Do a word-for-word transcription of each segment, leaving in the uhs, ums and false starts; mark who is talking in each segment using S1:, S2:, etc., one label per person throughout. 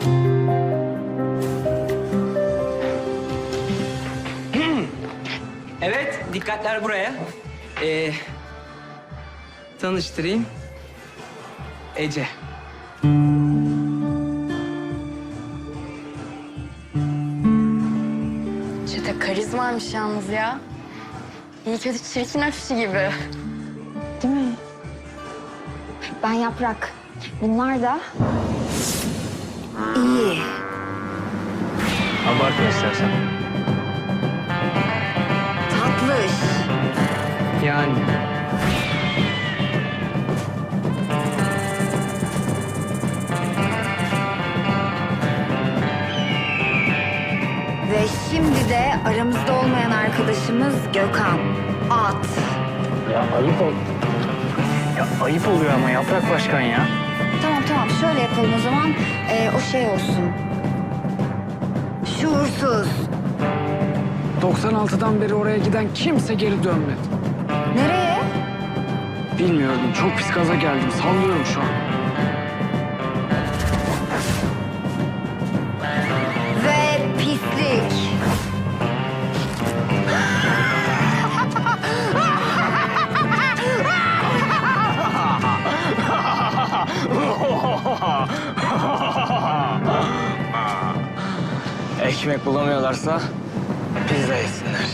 S1: Evet, dikkatler buraya. Ee, tanıştırayım. Ece.
S2: Çete karizmaymış yalnız ya. İyi kötü çirkin öpüşü gibi.
S3: Değil mi? Ben Yaprak. Bunlar da iyi.
S4: Abartma istersen.
S3: Tatlış.
S1: Yani.
S3: Ve şimdi de aramızda olmayan arkadaşımız Gökhan. At.
S4: Ya ayıp ol. Ya ayıp oluyor ama Yaprak Başkan ya.
S3: Tamam tamam şöyle yapalım o zaman. Ee, o şey olsun. Şuursuz.
S5: doksan altıdan beri oraya giden kimse geri dönmedi.
S3: Nereye?
S5: Bilmiyorum, çok pis gaza geldim. Sallıyorum şu an.
S3: Ve pislik.
S4: Ekmek bulamıyorlarsa pizza yesinler.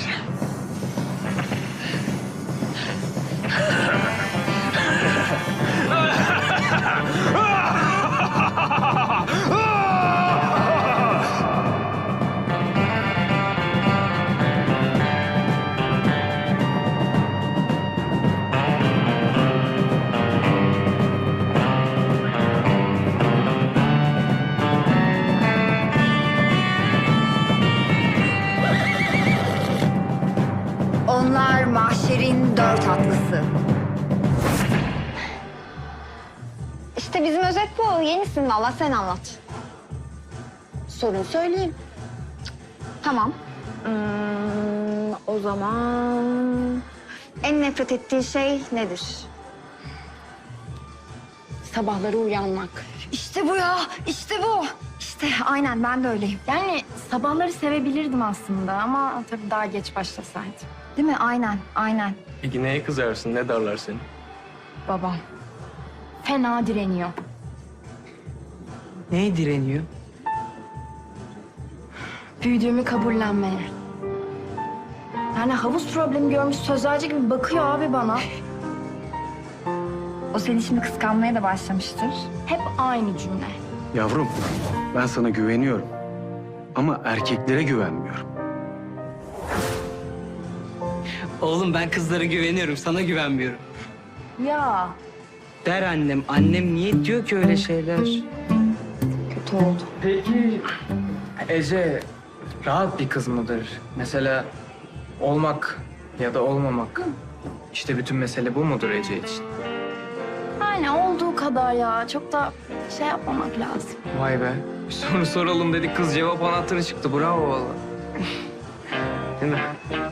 S3: Onlar mahşerin dört atlısı. İşte bizim özet bu. Yenisin valla, sen anlat. Sorun söyleyeyim. Tamam. Hmm, o zaman en nefret ettiği şey nedir?
S2: Sabahları uyanmak.
S3: İşte bu ya, işte bu. İşte aynen ben de öyleyim.
S2: Yani sabahları sevebilirdim aslında ama tabii daha geç başlasaydım.
S3: Değil mi? Aynen, aynen.
S4: Peki neye kızarsın? Ne darlar seni?
S2: Babam fena direniyor.
S1: Neye direniyor?
S2: Büyüdüğümü kabullenmeye. Yani havuz problemi görmüş sözlerce gibi bakıyor abi bana.
S3: O seni şimdi kıskanmaya da başlamıştır.
S2: Hep aynı cümle.
S6: Yavrum, ben sana güveniyorum. Ama erkeklere güvenmiyorum.
S1: Oğlum ben kızlara güveniyorum, sana güvenmiyorum.
S2: Ya
S1: Der annem. Annem niye diyor ki öyle şeyler?
S3: Kötü oldu.
S4: Peki Ece rahat bir kız mıdır? Mesela olmak ya da olmamak. İşte bütün mesele bu mudur Ece için?
S2: yani olduğu kadar ya. Çok da şey yapmamak lazım.
S4: Vay be. Bir soru soralım dedik, kız cevap anahtarı çıktı. Bravo vallahi. Değil mi?